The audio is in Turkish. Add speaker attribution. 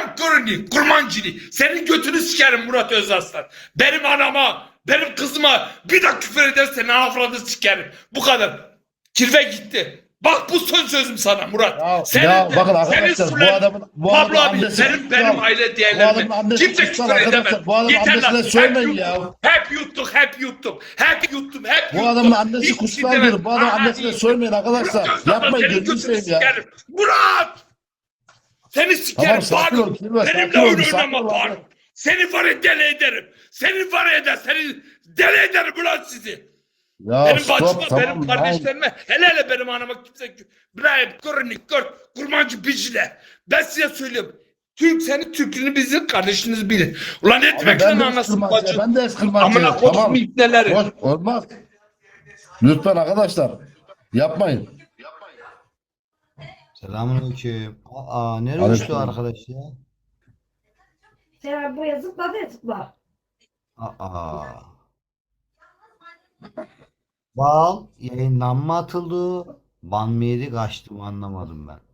Speaker 1: Hem kuruni, kurmancını. Senin götünü sikerim Murat Özaslan. Benim anama, benim kızıma bir de küfür edersen avradı sikerim. Bu kadar. Kirve gitti. Bak bu son sözüm sana Murat.
Speaker 2: Ya,
Speaker 1: Senin
Speaker 2: ya
Speaker 1: de,
Speaker 2: bakın
Speaker 1: senin
Speaker 2: arkadaşlar
Speaker 1: Sulen,
Speaker 2: bu adamın
Speaker 1: Pablo abi
Speaker 2: annesi
Speaker 1: benim aile
Speaker 2: bu
Speaker 1: değerlerime
Speaker 2: adamın annesi
Speaker 1: kimse
Speaker 2: kutsal
Speaker 1: küfür edemez.
Speaker 2: arkadaşlar. Bu adamın
Speaker 1: Yeter lan.
Speaker 2: annesine söyleyin ya.
Speaker 1: Hep yuttuk, hep yuttuk. Hep yuttum, hep
Speaker 2: Bu
Speaker 1: yuttum.
Speaker 2: adamın annesi
Speaker 1: Hiçbir şey
Speaker 2: kutsaldır.
Speaker 1: demez.
Speaker 2: Bu adamın
Speaker 1: Aha,
Speaker 2: annesine
Speaker 1: iyi.
Speaker 2: söylemeyin arkadaşlar.
Speaker 1: Murat Özaslan
Speaker 2: Yapmayın
Speaker 1: senin
Speaker 2: gözünü
Speaker 1: götünü
Speaker 2: seveyim ya.
Speaker 1: sikerim. Murat! Seni sikerim.
Speaker 2: Tamam sakin ol. Kirve,
Speaker 1: Benimle
Speaker 2: sakin ol.
Speaker 1: oyun
Speaker 2: Sakin
Speaker 1: oynama
Speaker 2: ol
Speaker 1: Faruk.
Speaker 2: abi.
Speaker 1: Seni var ya deli ederim. Seni var ya da seni deli ederim ulan sizi.
Speaker 2: Ya
Speaker 1: Benim
Speaker 2: stop
Speaker 1: bacıma,
Speaker 2: tamam.
Speaker 1: benim kardeşlerime, hele hele benim anama kimse İbrahim, Kurnik, Kurmancı Bicile. Ben size söylüyorum. Türk seni Türk'ünü bizim kardeşiniz bilin. Ulan etmek lan
Speaker 2: Ben de
Speaker 1: anasını
Speaker 2: eskırmacı.
Speaker 1: bacı.
Speaker 2: Ben de eskırmacı.
Speaker 1: Amına kodum
Speaker 2: Tamam.
Speaker 1: ipneleri.
Speaker 2: Boş, olmaz. Lütfen arkadaşlar. Yapmayın.
Speaker 3: Selamünaleyküm. Nereye
Speaker 2: Aleyküm.
Speaker 3: uçtu arkadaş ya?
Speaker 4: Sen buraya zıpla de zıpla.
Speaker 3: Aa. Bal yayından mı atıldı? Ban mı yedi kaçtı mı anlamadım ben.